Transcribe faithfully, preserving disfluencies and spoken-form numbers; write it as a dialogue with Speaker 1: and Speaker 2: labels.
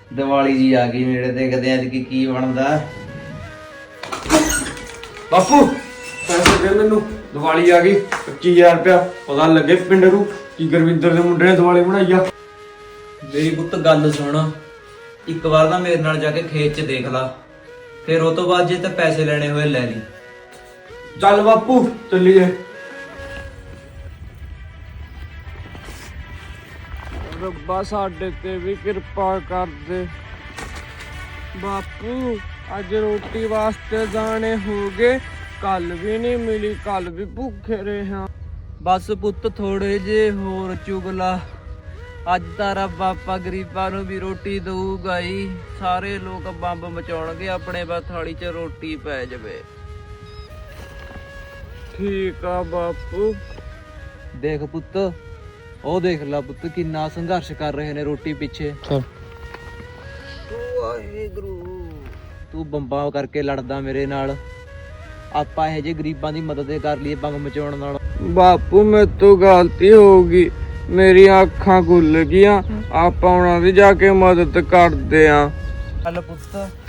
Speaker 1: ਦੀਵਾਲੀ ਜੀ ਆ ਗਈ ਨੇੜੇ ਤੇ, ਕਦੇ ਅੱਜ ਕੀ ਕੀ ਬਣਦਾ।
Speaker 2: ਬਾਪੂ ਪੈਸੇ ਦੇ ਮੈਨੂੰ, ਦੀਵਾਲੀ ਆ ਗਈ। ਪੱਚੀ ਹਜ਼ਾਰ ਰੁਪਇਆ ਪਤਾ ਲੱਗੇ ਪਿੰਡ ਨੂੰ ਕੀ ਗੁਰਵਿੰਦਰ ਦੇ ਮੁੰਡੇ ਨੇ ਦੀਵਾਲੀ ਬਣਾਈ ਆ।
Speaker 1: ਮੇਰੀ ਪੁੱਤ ਗੱਲ ਸੁਣ, ਇੱਕ ਵਾਰ ਤਾਂ ਮੇਰੇ ਨਾਲ ਜਾ ਕੇ ਖੇਤ 'ਚ ਦੇਖ ਲਾ, ਫਿਰ ਉਹ ਤੋਂ ਬਾਅਦ ਜੇ ਤੇ ਪੈਸੇ ਲੈਣੇ ਹੋਏ ਲੈ ਲਈ।
Speaker 2: ਚੱਲ ਬਾਪੂ ਚੱਲੀਏ। ਰੱਬਾ ਸਾਡੇ ਤੇ ਵੀ ਕਿਰਪਾ ਕਰ ਦੇ। ਬਾਪੂ ਅੱਜ ਰੋਟੀ ਵਾਸਤੇ ਜਾਣੇ ਹੋ ਗਏ, ਕੱਲ ਵੀ ਨਹੀਂ ਮਿਲੀ, ਕੱਲ ਵੀ ਭੁੱਖੇ ਰਹੇ ਹਾਂ।
Speaker 1: ਬਸ ਪੁੱਤ ਥੋੜੇ ਜੇ ਹੋਰ ਚੁਗਲਾ, ਅੱਜ ਤਾਂ ਰੱਬ ਆਪਾਂ ਗਰੀਬਾਂ ਨੂੰ ਵੀ ਰੋਟੀ ਦਊਗਾ ਹੀ। ਸਾਰੇ ਲੋਕ ਬੰਬ ਮਚਾਉਣਗੇ, ਆਪਣੇ ਬਸ ਥਾਲੀ 'ਚ ਰੋਟੀ ਪੈ ਜਾਵੇ।
Speaker 2: ਠੀਕ ਆ ਬਾਪੂ।
Speaker 1: ਦੇਖ ਪੁੱਤ, ਉਹ ਦੇਖ ਲਾ ਪੁੱਤ ਕਿੰਨਾ ਸੰਘਰਸ਼ ਕਰ ਰਹੇ ਨੇ ਰੋਟੀ ਪਿੱਛੇ। ਵਾਹਿਗੁਰੂ, ਤੂੰ ਬੰਬਾਂ ਕਰਕੇ ਲੜਦਾ ਮੇਰੇ ਨਾਲ, ਆਪਾਂ ਇਹੋ ਜਿਹੇ ਗਰੀਬਾਂ ਦੀ ਮਦਦ ਕਰ ਲਈਏ ਬੰਬ ਮਚਾਉਣ ਨਾਲ।
Speaker 2: ਬਾਪੂ ਮੇਰੇ ਤੋਂ ਗਲਤੀ ਹੋ ਗਈ, ਮੇਰੀਆਂ ਅੱਖਾਂ ਖੁੱਲ ਗਈਆਂ। ਆਪਾਂ ਉਹਨਾਂ ਦੀ ਜਾ ਕੇ ਮਦਦ ਕਰਦੇ ਆਂ।
Speaker 1: ਚੱਲ ਪੁੱਤ